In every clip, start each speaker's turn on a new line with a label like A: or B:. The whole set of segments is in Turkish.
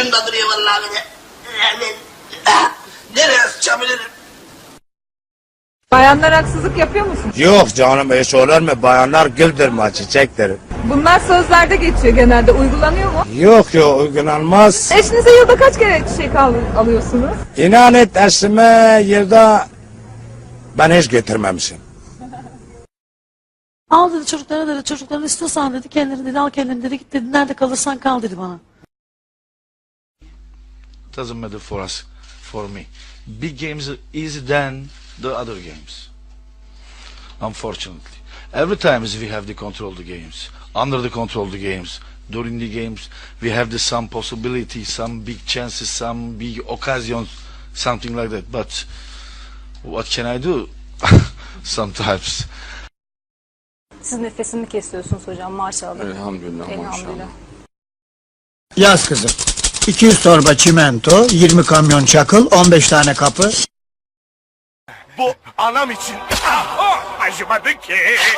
A: ucunda duruyor vallahi bir de. Nereye sıçabilirim?
B: Bayanlar haksızlık yapıyor musun?
C: Yok canım hiç olur mu? Bayanlar güldür mü çiçektir.
B: Bunlar sözlerde geçiyor genelde. Uygulanıyor mu?
C: Yok uygulanmaz.
B: Eşinize yılda kaç kere çiçek alıyorsunuz?
C: İnan et eşime yılda ben hiç götürmemişim.
D: Al dedi çocuklara dedi, çocukların istiyorsan dedi, kendini dedi, al kendini dedi, git dedi, nerede kalırsan kal dedi bana.
E: Doesn't matter for us, for me. Big games are easier than the other games. Unfortunately. Every time we have the control the games, under the control the games, during the games, we have the some possibility, some big chances, some big occasions, something like that. But what can I do? Sometimes.
F: Siz nefesini kesiyorsunuz hocam maşallah.
G: Elhamdülillah,
F: Elhamdülillah.
H: Yaz kızım. 200 torba çimento, 20 kamyon çakıl, 15 tane kapı.
I: Bu anam için acımadı ki.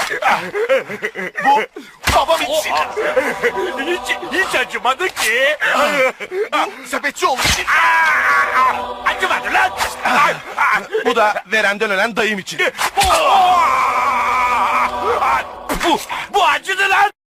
I: Bu babam için hiç acımadı ki. Bu sepetçioğlu için acımadı lan. Bu da verenden ölen dayım için. Bu acıdı lan.